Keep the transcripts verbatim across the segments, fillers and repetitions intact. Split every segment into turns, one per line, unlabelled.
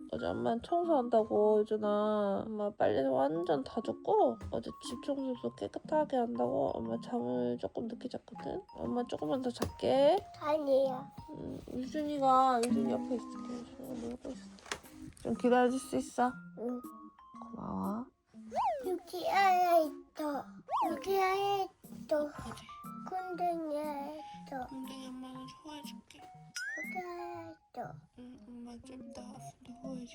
어제 엄마는 청소한다고 유준아. 엄마 빨래 완전 다 줬고 어제 집 청소도 깨끗하게 한다고 엄마 잠을 조금 늦게 잤거든. 엄마 조금만 더 잘게.
아니야.
음, 유준이가 유준이 옆에 있을게. 유준이가 놀고 있어. 좀 기다려줄 수 있어?
응.
고마워.
여기 안에 있어. 여기 안에 있어. 군댕이에 있어.
근데 엄마는 좋아해줄게.
여기 안에 있어.
응, 엄마 좀 이따 도와줄게.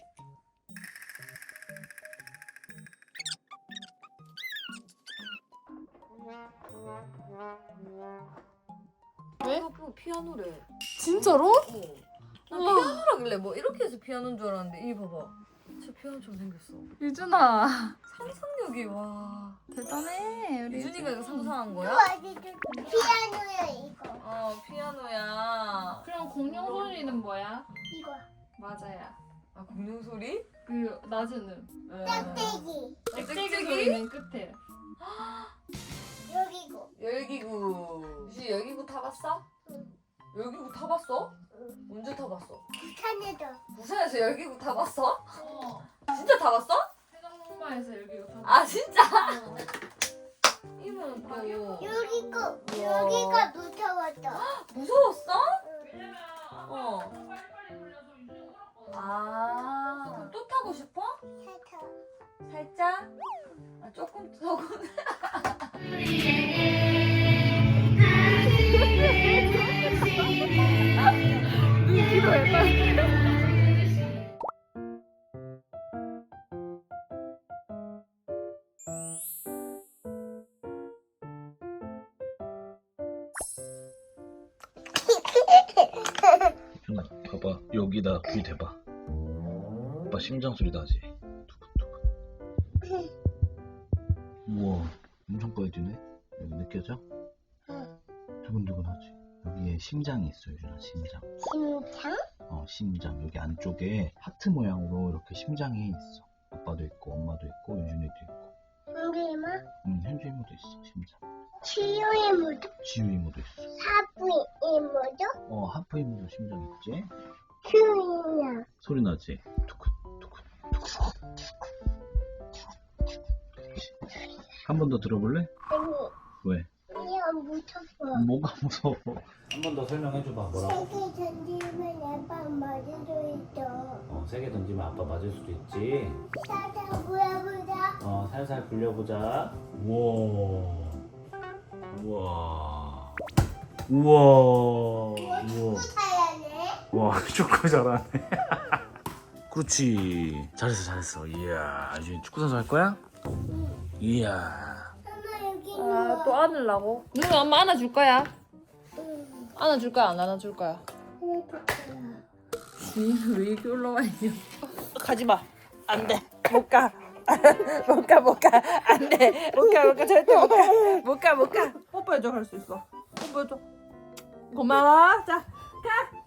왜? 그 피아노래.
진짜로?
어. 나
우와.
피아노라길래 뭐 이렇게 해서 피아노인 줄 알았는데 이 봐봐. 진짜 피아노처럼 생겼어.
유준아
상상력이 와.
대단해 우리
유준이가 이거 상상한 거야?
아직도 피아노야 이거.
어 피아노야.
그럼 공룡 소리는 뭐야?
이거.
맞아야
아 공룡 소리?
그 낮은 음
어.
짝대기.
짹짹이 소리는 끝에
여기고.
열기구. 유준이 열기구 타봤어?
응.
열기구 타봤어?
응.
언제 타봤어?
부산에도.
부산에서 열기구 타봤어?
어
진짜 타봤어?
해장목마에서 여기가 다
아 진짜? 이모는 또
여기고.
우와.
여기가 무서웠어.
무서웠어?
응.
어. 아, 그럼 또 타고 싶어?
살짝.
살짝? 아, 조금, 조금.
준아 봐봐 여기다 귀 대봐. 오빠 심장 소리 나지? 두근두근. 우와 엄청 빨리 뛰네. 여기 느껴져?
응.
두근두근하지? 여기에 심장이 있어 유준아. 심장.
심장?
어 심장. 여기 안쪽에 하트 모양으로 이렇게 심장이 있어. 아빠도 있고 엄마도 있고 유준이도 있고.
현주이모?
응 현주 이모도 있어 심장.
치유 이모도?
지우 이모도 있어.
사부 이모도?
어 하프 이모도 심장 있지?
큐이나.
소리 나지? 두근 두근 두근. 한 번 더 들어볼래?
아니,
왜?
그냥 무서워.
뭐가 무서워?
한 번 더 설명해줘봐. 뭐라고?
세개 던지면 아빠 맞을 수 있어.
어, 세개 던지면 아빠 맞을 수도 있지.
살짝 보여보자.
어, 살살 굴려보자. 우와. 우와. 우와. 우와.
사야네.
와, 축구 잘하네. 그렇지. 잘했어, 잘했어. 이야, 이제 축구 선수 할 거야? 이야.
엄마 여기
아, 또
누워.
안으려고? 누가 엄마 안아줄 거야?
응.
안아줄 거야, 안 안아줄 거야?
하나 줄 거야.
니는 왜 이렇게 올라와 있냐? 가지 마. 안 돼. 못 가. 못 가, 못 가. 안 돼. 못 가, 못 가. 절대 못 가. 못 가, 못 가. 뽀뽀해줘, 할 수 있어. 뽀뽀해줘. 고마워. 자, 가.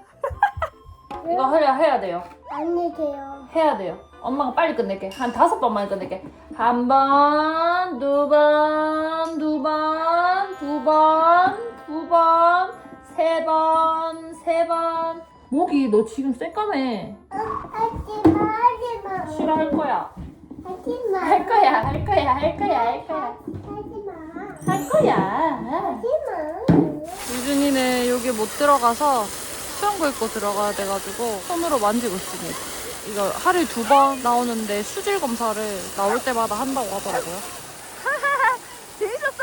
이거 해야, 해야 돼요.
안녕히 계세요.
해야 돼요. 엄마가 빨리 끝낼게. 한 다섯 번만 끝낼게. 한 번, 두 번, 두 번, 두 번, 두 번, 세 번, 세 번. 목이 너 지금 새까매.
하지마, 하지마.
싫어할 거야.
하지마.
할 거야, 할 거야, 할 거야, 할 거야.
하지마.
할 거야.
하지마.
유준이는 여기 못 들어가서 수영복 입고 들어가야 돼가지고 손으로 만지고 있습니다. 이거 하루에 두 번 나오는데 수질 검사를 나올 때마다 한다고 하더라고요. 재밌었어?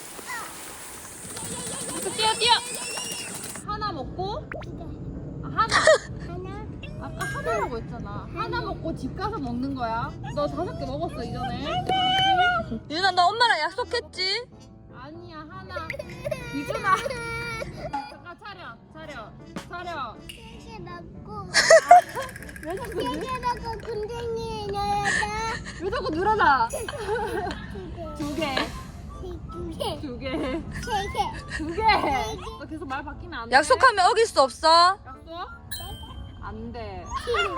뛰어 뛰어. 하나 먹고 아, 하나.
하나.
아까 하나라고 했잖아. 하나 먹고 집 가서 먹는 거야. 너 다섯 개 먹었어 이전에. 유준아 너 엄마랑 약속했지? 아니야 하나. 유준아. 잠깐 차려 차려 차려.
세개 먹고.
왜 자꾸
세
늘?
개 먹고 군댕이에 넣어야 돼.
왜 자꾸 늘어나?
두 개.
두 개.
두 개.
두 개.
세 개.
두 개. 너 계속 말 바뀌면 안 돼.
약속하면 어길 수 없어.
약속? 안 돼.
두 개.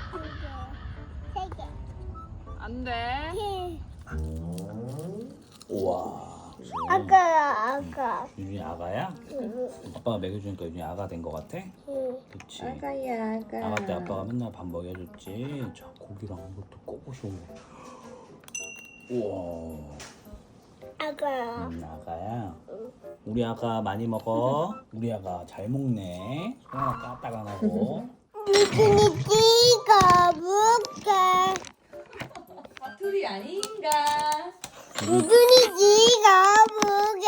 세 개.
안 돼.
세 개.
우와.
아가야 아가.
유준이 아가야?
응.
아빠가 먹여주니까 유준이 아가 된 거 같아?
응.
그치.
아가야 아가.
아가 때 아빠가 맨날 밥 먹여줬지. 자, 고기랑 이것도 꼬부셔. 우와.
아가야.
음, 아가야. 우리 아가 많이 먹어. 우리 아가 잘 먹네. 손 하나 까딱 안 하고.
유준이 찌가 볼게.
사투리 아닌가?
유준이 찌가 볼게.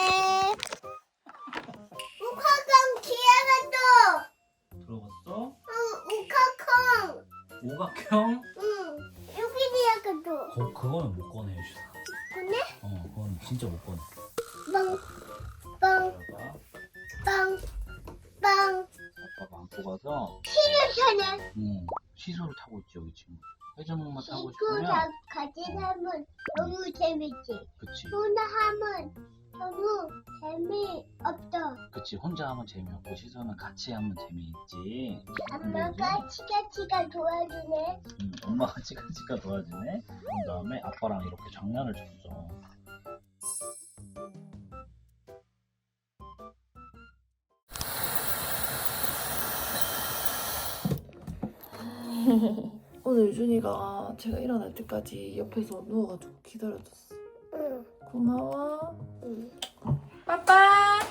우카강 기아가
들어봤어?
또. 응. 우카콩.
오각형?
응. 유준이가 또.
거, 그거는 못 꺼내, 유준아.
근데
어, 그건 진짜 못 꺼내.
빵. 빵.
아빠가,
빵. 빵.
아빠가 안고 가서
시루차는
응, 시소를 타고 있지, 여기 지금. 회전목마 타고
이거
싶으면
다 같이 하면 너무 재밌지.
그치.
혼자 하면 너무 재미없어.
그치, 혼자 하면 재미없고 시소는 같이 하면 재미있지.
엄마가 치가치가 도와주네.
응, 엄마가 치카치카 도와주네. 그런 다음에 아빠랑 이렇게 장난을 쳤어.
오늘 유준이가 제가 일어날 때까지 옆에서 누워가지고 기다려줬어.
응.
고마워.
응.
빠빠.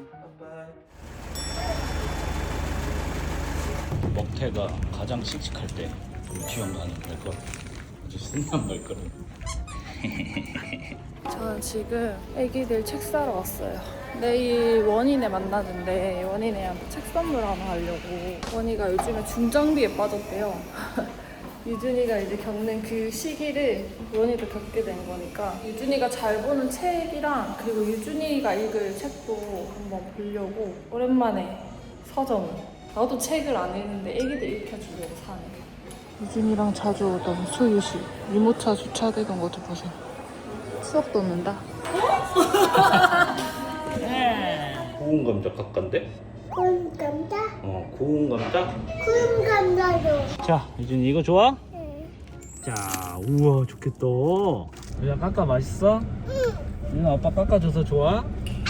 먹태가 가장 씩씩할 때 유치원 가는 발걸음. 아주 신난 발걸음.
저는 지금 애기들 책 사러 왔어요. 내일 원인에 만나는데 원인애한테 책 선물 하나 하려고. 원이가 요즘에 중장비에 빠졌대요. 유준이가 이제 겪는 그 시기를 원이도 겪게 된 거니까 유준이가 잘 보는 책이랑 그리고 유준이가 읽을 책도 한번 보려고 오랜만에 서점. 나도 책을 안 읽는데 애기들 읽혀주려고 사네. 유준이랑 자주 오던 수유실 유모차 주차되던 것도 보세요. 추억 돋는다.
구운 감자 깎간데?
구운 감자?
어, 구운 감자?
구운 감자로.
자, 유준이 이거 좋아?
응.
자, 우와 좋겠다. 유준아 깎아 맛있어? 응. 유준아 아빠 깎아줘서 좋아?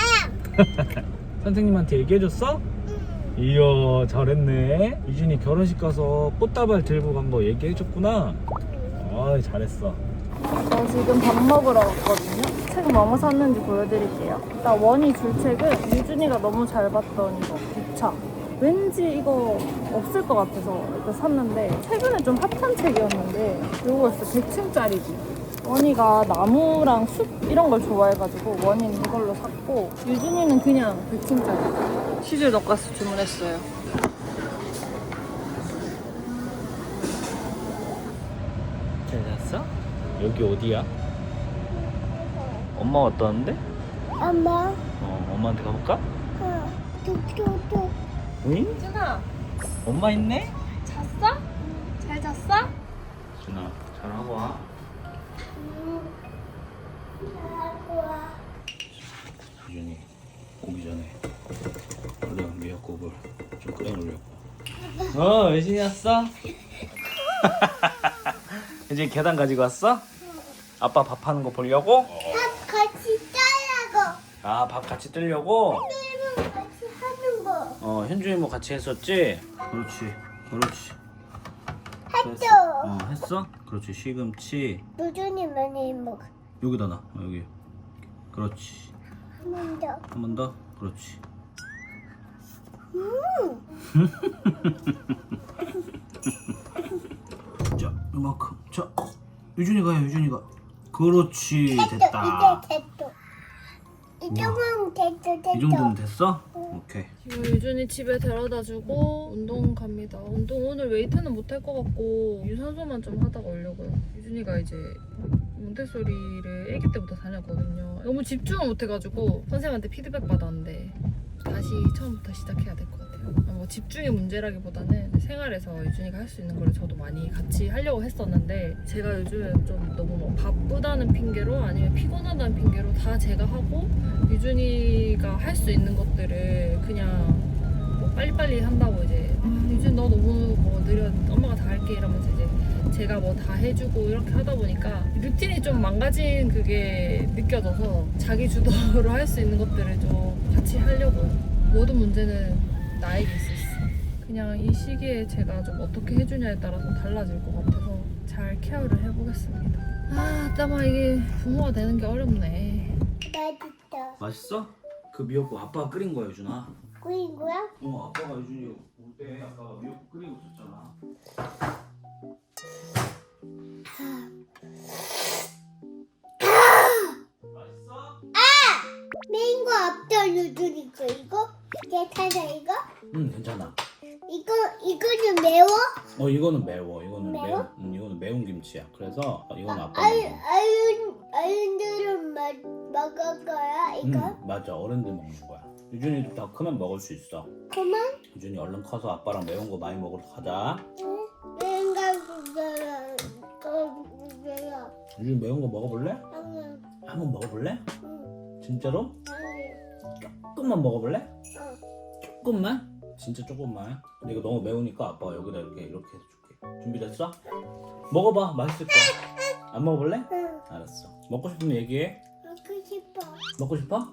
선생님한테 얘기해줬어? 이야 잘했네. 유준이 결혼식 가서 꽃다발 들고 간 거 얘기해줬구나. 아 잘했어.
저 지금 밥 먹으러 왔거든요. 책 뭐뭐 샀는지 보여드릴게요. 일단 원이 줄 책은 유준이가 너무 잘 봤던 이거 기차. 왠지 이거 없을 것 같아서 일단 샀는데 최근에 좀 핫한 책이었는데 이거였어. 백 층짜리지. 원이가 나무랑 숲 이런 걸 좋아해가지고 원이는 이걸로 샀고 유준이는 그냥 백 층짜리. 치즈 돈가스 주문했어요.
잘 잤어? 여기 어디야? 엄마 왔다 왔는데?
엄마.
어, 엄마한테 가볼까?
응. 뚝뚝뚝.
응?
유준아
엄마 있네?
잤어? 잘 잤어?
준아 잘하고 와.
응. 잘하고 와.
유준이 오기 전에 얼른 미역국을 좀 끓여놓으려고. 어, 유준이 왔어? 유준이 계단 가지고 왔어? 아빠 밥 하는 거 보려고?
밥 같이 짜라고.
아, 밥 같이 뜨려고?
게임은 같이 하는 거.
어, 현준이 뭐 같이 했었지? 그렇지, 그렇지.
했죠.
어, 했어? 그렇지, 시금치
누준이 많이 먹어.
여기다 놔, 어, 여기. 그렇지.
한 번 더.
한 번 더, 그렇지. 자, 이만큼. 자, 유준이가 해, 유준이가. 그렇지, 됐다.
이제 됐어. 이 정도면 됐어, 됐어.
이 정도면 됐어? 오케이.
지금 유준이 집에 데려다주고 운동 갑니다. 운동 오늘 웨이트는 못 할 것 같고 유산소만 좀 하다가 오려고요. 유준이가 이제 몬테소리를 아기 때부터 다녔거든요. 너무 집중을 못 해가지고 선생님한테 피드백 받았는데 다시 처음부터 시작해야 될 것 같아요. 아, 뭐 집중의 문제라기보다는 생활에서 유준이가 할 수 있는 걸 저도 많이 같이 하려고 했었는데 제가 요즘 좀 너무 뭐 바쁘다는 핑계로 아니면 피곤하다는 핑계로 다 제가 하고 유준이가 할 수 있는 것들을 그냥 뭐 빨리빨리 한다고 이제 아, 유준 너 너무 뭐 느려 엄마가 다 할게 이러면서 이제
제가 뭐 다 해주고 이렇게 하다 보니까 루틴이 좀 망가진 그게 느껴져서 자기 주도로 할 수 있는 것들을 좀 같이 하려고요. 모든 문제는 나에게 있었어. 그냥 이 시기에 제가 좀 어떻게 해주냐에 따라서 달라질 것 같아서 잘 케어를 해보겠습니다. 아, 따마 이게 부모가 되는 게 어렵네.
맛있다.
맛있어? 그 미역국 아빠가 끓인 거야 유준아.
끓인 거야?
어 아빠가 유준이 올 때 아빠가 미역국 끓이고 있었잖아. 맛있어?
매운 거 없다 누들이고 이거? 괜찮아 이거?
응 괜찮아.
이거 이거는 매워?
어 이거는 매워. 이거는
매워?
매운. 응, 이거는 매운 김치야. 그래서 이건 아빠
아유
먹어.
아유 아유들은 먹 먹을 거야 이거?
응 맞아 어른들 먹는 거야. 유준이도 더 크면 먹을 수 있어.
그만?
유준이 얼른 커서 아빠랑 매운 거 많이 먹으러 가자.
응. 내가 그거야 그거야.
유준이 매운 거 먹어볼래?
응.
한번 먹어볼래?
응.
진짜로?
응.
조금만 먹어볼래?
응.
조금만? 진짜 조금만. 근데 이거 너무 매우니까 아빠가 여기다 이렇게 이렇게 해줄게. 준비됐어? 먹어봐. 맛있을 거야. 안 먹어볼래?
응.
알았어. 먹고 싶으면 얘기해.
먹고 싶어.
먹고 싶어?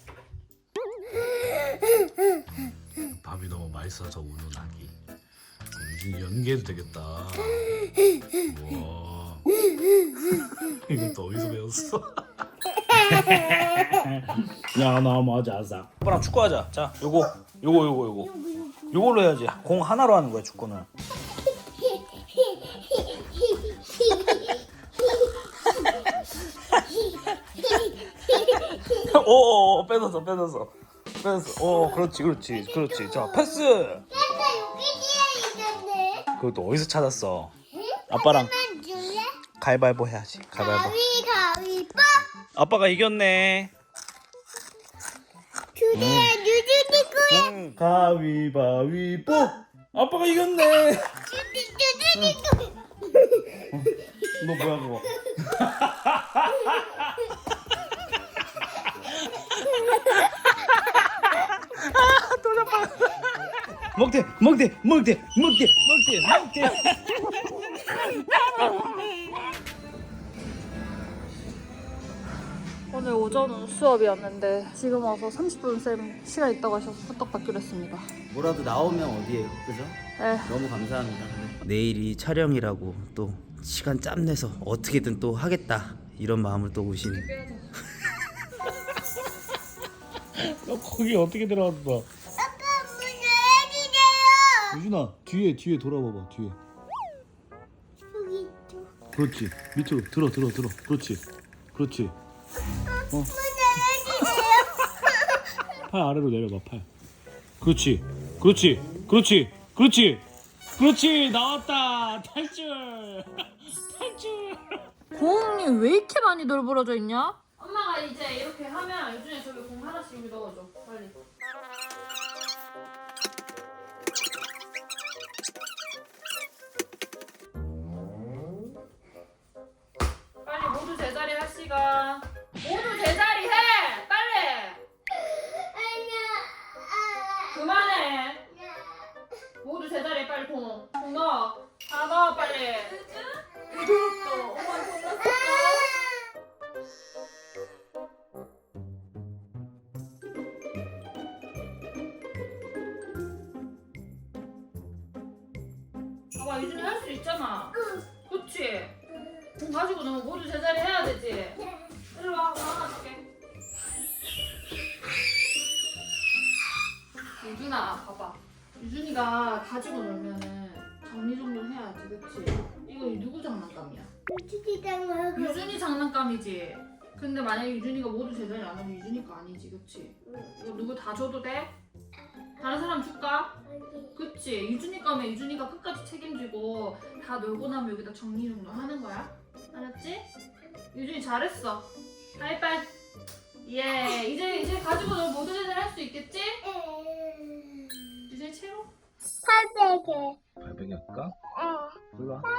밥이 너무 맛있어서 우는 아기. 유준이 연기해도 되겠다. 우와. 이것도 어디서 배웠어? 야, 나 맞아, 아싸. 아빠랑 축구하자. 자, 요거, 요거, 요거, 요거. 요걸로 해야지. 공 하나로 하는 거야, 축구는. 오, 뺏었어, 뺏었어. 뺏었어. 오, 그렇지, 그렇지, 그렇지. 자, 패스.
아빠 여기 뒤에 있는데.
그것도 어디서 찾았어? 아빠랑
만 줄래?
가위바위보 해야지. 가위바위보.
가위 가위뽀.
아빠가 이겼네.
주제야 유준이 거야.
응, 가위바위보. 아빠가 이겼네.
유준이 거야.
너 뭐야 그거? 먹대, 먹대, 먹대, 먹대, 먹대, 먹대.
오늘 오전은 수업이었는데 지금 와서 삼십 분 쌤 시간 있다고 하셔서 후딱 받기로 했습니다.
뭐라도 나오면 어디에요, 그죠?
네.
너무 감사합니다. 내일이 촬영이라고 또 시간 짬 내서 어떻게든 또 하겠다 이런 마음을 또 오신.
너 거기 어떻게 들어왔어?
아빠 문 열어주세요.
유준아 뒤에 뒤에 돌아봐봐 뒤에.
여기 있어.
그렇지 밑으로 들어 들어 들어. 그렇지 그렇지. 어.
문 열어주세요.
팔 아래로 내려봐 팔. 그렇지 그렇지 그렇지 그렇지 그렇지 나왔다 탈출 탈출.
공이 왜 이렇게 많이 널브러져 있냐? 엄마가 이제 이렇게 하면 요즘에 저기 공 하나씩 넣어줘 빨리. 빨리 모두 제자리 할 시간. 모두 제자리 해 빨리. 그만해. 모두 제자리에 빨리 공. 공 넣어. 다 넣어 빨리. 또 엄마 공 넣었어. 봐봐 유준이 할 수 있잖아. 그치? 공 가지고 너무 모두 제자리 해야 되지. 이리 와, 공 하나 줄게. 유준아, 봐봐. 유준이가 가지고 놀면은 정리정돈 해야지, 그치? 이거 누구 장난감이야?
유준이랑
유준이 장난감이지. 근데 만약에 유준이가 모두 제자리 안 하면 유준이 거 아니지, 그치? 이거 누구 다 줘도 돼? 다른 사람 줄까? 그치? 유준이 거면 유준이가 끝까지 책임지고 다 놀고 나면 여기다 정리정돈 하는 거야. 알았지? 유준이 잘했어. 하이파이. 예. 이제 이제 가지고 놀 모두 제자리 할 수 있겠지? 유준이 최고.
팔베개.
발베개 할까?
어.
일로 와.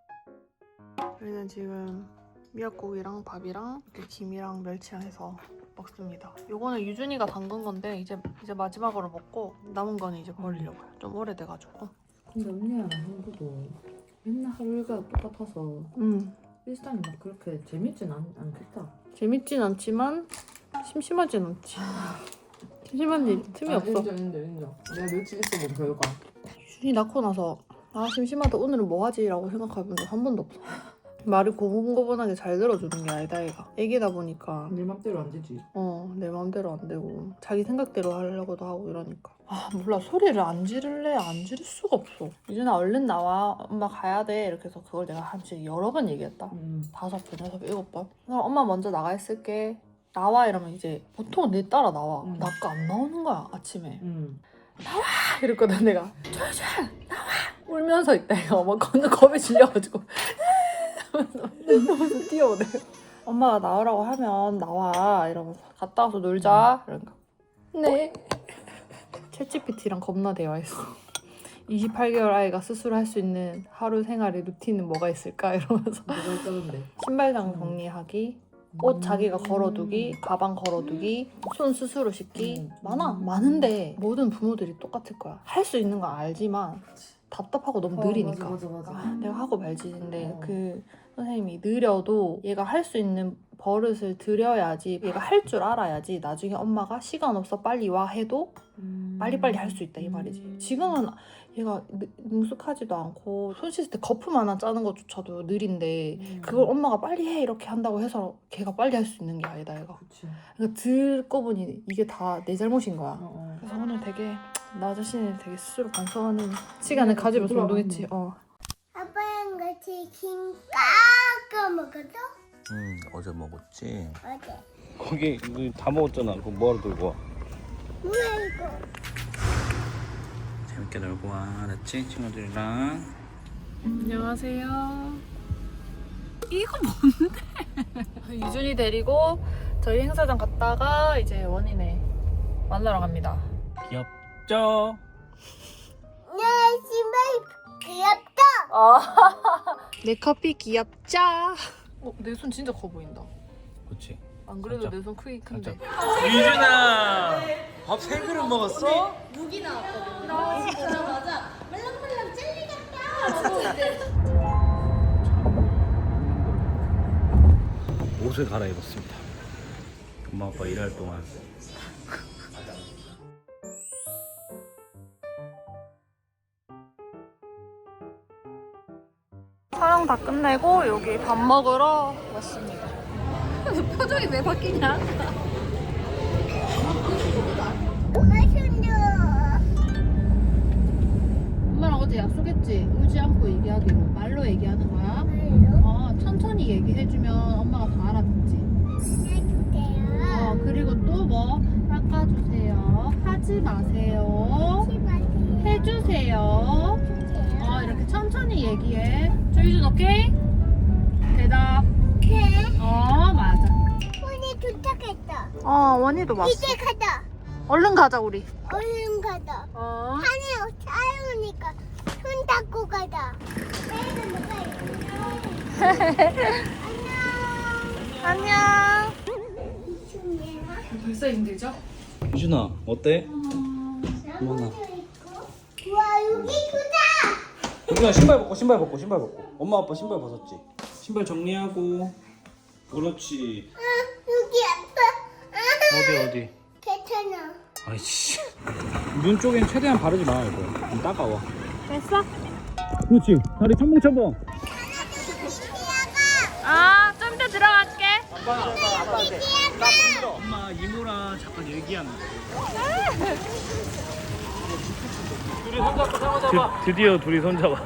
저희는 지금 미역국이랑 밥이랑 이렇게 김이랑 멸치랑 해서 먹습니다. 요거는 유준이가 담근 건데 이제 이제 마지막으로 먹고 남은 거는 이제 버리려고요. 좀 오래돼가지고.
근데 언니랑 한국도 맨날 하루 일과가 똑같아서
음
일상이 막 그렇게 재밌진 않, 않겠다.
재밌진 않지만 심심하진 않지. 심심한 일 틈이 없어.
인정 인정 인정. 내가 며칠 있어 본 결과.
유준이 낳고 나서 아 심심하다 오늘은 뭐 하지라고 생각해본 적 한 번도 없어. 말을 고분고분하게 잘 들어주는 게 아니다 얘가. 애기다 보니까
네 맘대로 안 되지.
어 내 마음대로 안 되고 자기 생각대로 하려고도 하고 이러니까 아 몰라 소리를 안 지를래 안 지를 수가 없어. 유준아 얼른 나와 엄마 가야 돼 이렇게 해서 그걸 내가 한 진짜 여러 번 얘기했다.
음.
다섯 번 여섯 번 일곱 번. 그럼 엄마 먼저 나가 있을게 나와 이러면 이제 보통 내 따라 나와.
음.
나 아까 안 나오는 거야 아침에.
음.
이랬거든 내가. 조준 나와 울면서 있다 이거 막 겁나 겁에 질려가지고 하면서 뛰어오네. 엄마가 나오라고 하면 나와 이러면서 갔다 와서 놀자 이러니까 네. 챗지피티랑 겁나 대화했어. 이십팔 개월 아이가 스스로 할 수 있는 하루 생활의 루틴은 뭐가 있을까 이러면서
뭐가 있다던데.
신발장 정리하기 옷 자기가 걸어두기 가방 걸어두기 손 스스로 씻기
음.
많아 많은데 모든 부모들이 똑같을 거야. 할 수 있는 건 알지만 답답하고 너무
어,
느리니까
맞아 맞아 맞아.
아, 내가 하고 말지. 근데
어.
그 선생님이 느려도 얘가 할 수 있는 버릇을 들여야지 얘가 할 줄 알아야지 나중에 엄마가 시간 없어 빨리 와 해도
음.
빨리빨리 할 수 있다 이 말이지.
음.
지금은 얘가 느- 능숙하지도 않고 손 씻을 때 거품 하나 짜는 것조차도 느린데
음.
그걸 엄마가 빨리 해 이렇게 한다고 해서 걔가 빨리 할 수 있는 게 아니다 얘가.
그치.
그러니까 듣고 보니 이게 다 내 잘못인 거야.
어, 어.
그래서 오늘 되게 나 자신을 되게 스스로 반성하는 시간을
그래,
가지면서
부드러워.
운동했지. 어.
아빠랑 같이 김 깎아 먹었어?
응 어제 먹었지.
어제.
거기 이거 다 먹었잖아. 그거 뭐하러 들고 와?
뭐야 이거?
재밌게 놀고 와. 알았지? 친구들이랑.
안녕하세요. 이거 뭔데? 유준이 데리고 저희 행사장 갔다가 이제 원인에 만나러 갑니다.
귀엽죠?
내 신발 귀엽다.
내 커피 귀엽자. 어, 내 손 진짜 커 보인다.
그렇지.
안 그래도
살짝.
내 손 크기 큰데.
유준아 밥 세 그릇 먹었어? 옷을 갈아입었습니다. 엄마 아빠 일할 동안.
촬영 다 끝내고 여기 밥 먹으러 왔습니다. 표정이 왜 바뀌냐?
엄마 손도.
엄마랑 어제 약속했지? 울지 않고 얘기하기로. 말로 얘기하는 거야.
말로
어, 천천히 얘기해주면 엄마가 다 알아듣지.
해주세요.
어, 그리고 또 뭐? 닦아주세요. 하지 마세요.
치마세요.
해주세요.
해주세요.
어, 이렇게 천천히 얘기해. 조유준 오케이? 대답.
네.
어, 맞아.
손이 도착했다.
어, 원희도 왔어.
이제 가자.
얼른 가자, 우리.
얼른 가자.
어.
하늘 차오니까 손 닦고 가자. 내일은 누가
안녕.
있냐?
벌써 힘들죠?
유준아 어때?
나무도 있고. 와 여기 크다.
유준아 신발 벗고 신발 벗고 신발 벗고. 엄마 아빠 신발 벗었지? 신발 정리하고. 그렇지.
아 여기 아빠. 아
어디 어디?
괜찮아.
아이씨. 눈 쪽엔 최대한 바르지 마 이거. 좀 따가워.
됐어?
그렇지. 다리 첨벙첨벙.
아, 좀 더 들어갈게.
엄마 이모랑 잠깐 얘기하는 둘이 손잡고 잡아. 드디어 둘이 손잡았어.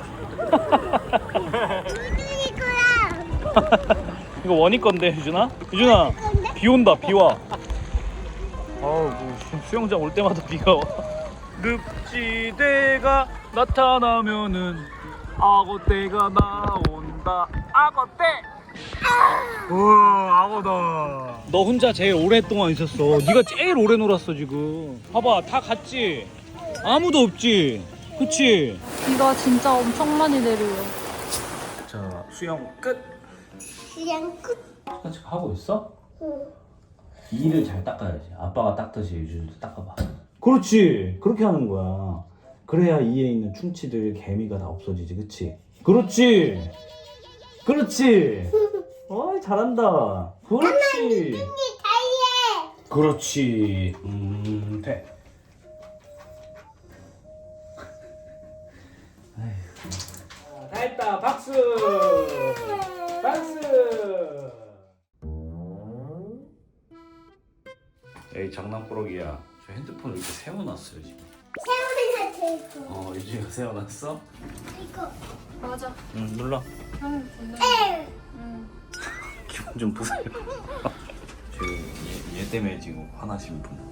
우준이 거야.
이거 원희 건데 유준아? 유준아 비 온다 비 와. 아우 뭐 수영장 올 때마다 비가 와. 늪지대가 나타나면은 악어떼가 나온다. 악어떼. 우와 악어다. 너 혼자 제일 오랫동안 있었어. 네가 제일 오래 놀았어 지금. 봐봐 다 갔지. 아무도 없지. 그치?
비가 진짜 엄청 많이 내려요.
자 수영 끝.
그냥 끝.
산책 하고 있어?
응.
이를 잘 닦아야지. 아빠가 닦듯이 유준이도 닦아봐. 그렇지. 그렇게 하는 거야. 그래야 이에 있는 충치들, 개미가 다 없어지지, 그치? 그렇지. 그렇지. 어이 잘한다. 그렇지.
다이에.
그렇지. 음, 돼. 아이고. 다 했다. 박수. 박수. 에이 장난꾸러기야. 저 핸드폰 이렇게 세워놨어요 지금.
세우는 하트 이거.
어 유진이가 세워놨어?
이거.
맞아.
응 눌러.
형 좋네.
에.
기분 좀 보세요. 지금 얘, 얘 때문에 지금 화나신 분.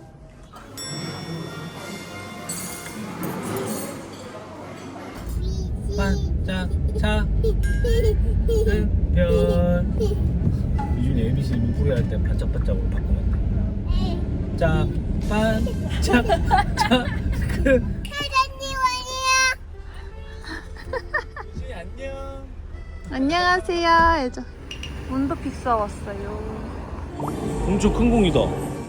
반짝 작은 별. 유준이 에이비씨 물풀이 할 때 반짝반짝으로 바꾸면 돼. 짝 반짝 작은
사장님 아니야.
유준이 안녕.
안녕하세요. 애죠. 문도 픽사 왔어요.
엄청 큰 공이다.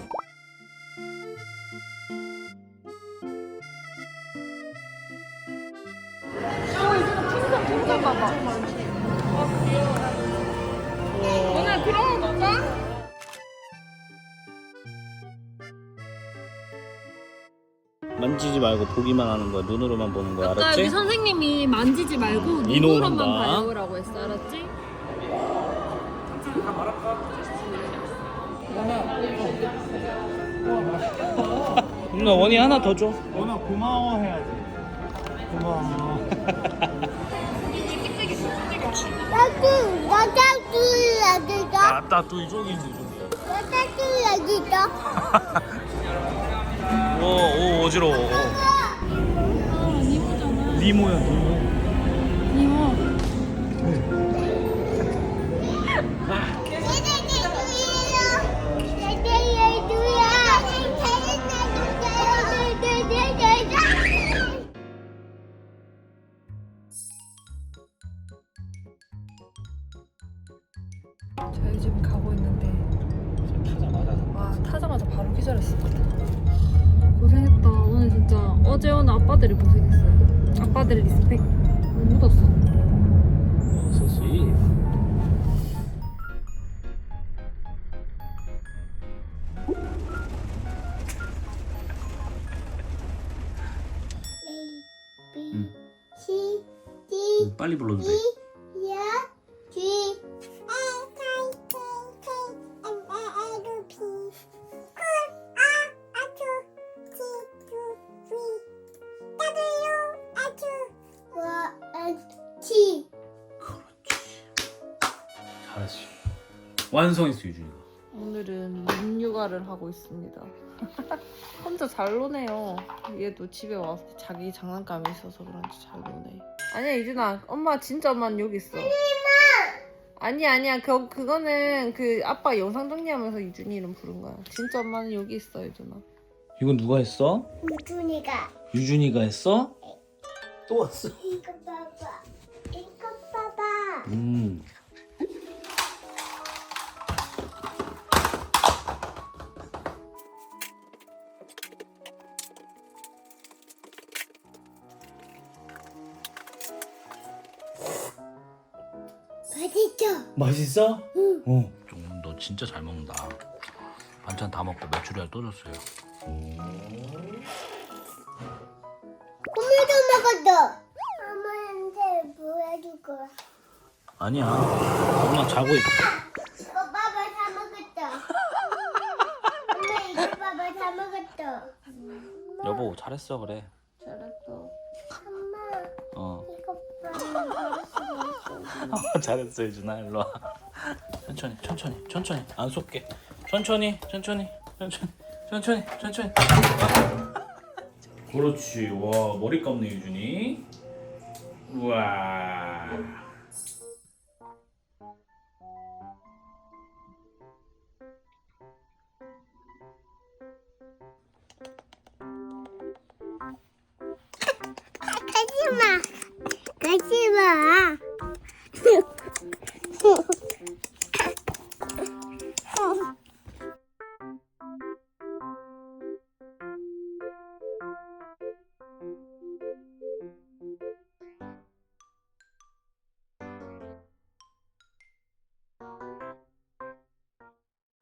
오늘 그런 거 볼까?
만지지 말고 보기만 하는 거야. 눈으로만 보는 거야.
아까
알았지?
여기 선생님이 만지지 말고
이놈
눈으로만
한다.
봐요라고 했어. 알았지?
누나 원이 하나 더 줘.
원아 고마워 해야지. 고마워.
나도 나도 여기다.
아따 또 이쪽이 있는데 좀.
나도 여기다.
오, 오 어지러워. 니모야 니모.
저희 지금 가고 있는데
타자마자.
와 타자마자 바로 기절했어. 고생했다. 오늘 진짜 어제 오늘 아빠들이 고생했어요. 아빠들 리스펙. 묻었어.
소시.
A B C D
빨리 불러도 돼.
E F G T.
잘했어. 완성했어 유준이가.
오늘은 립요가를 하고 있습니다. 혼자 잘 노네요. 얘도 집에 와서 자기 장난감이 있어서 그런지 잘 노네. 아니야 이준아, 엄마 진짜 엄마는 여기 있어. 아니야 아니야 그 그거는 그 아빠 영상 정리하면서 유준이 이름 부른 거야. 진짜 엄마는 여기 있어 유준아.
이건 누가 했어?
유준이가
유준이가 했어? 또 왔어.
이거 봐봐. 이거 봐봐.
음.
맛있죠?
맛있어?
응.
어. 좀 너 진짜 잘 먹는다. 반찬 다 먹고 메추리알 또 줬어요.
오늘도 먹었어. 엄마한테 보여줄 거야.
아니야. 엄마 자고 있.
이거 봐봐 다 먹었어. 엄마 이거 봐봐 다 먹었어.
여보 잘했어 그래.
잘했어.
엄마
어.
이거 봐봐 잘했어.
잘했어 유준아 일로 와. 천천히 천천히 천천히 안 쏠게. 천천히 천천히 천천히 천천히 천천히. 그렇지. 와 머리 감네 유준이. 우와.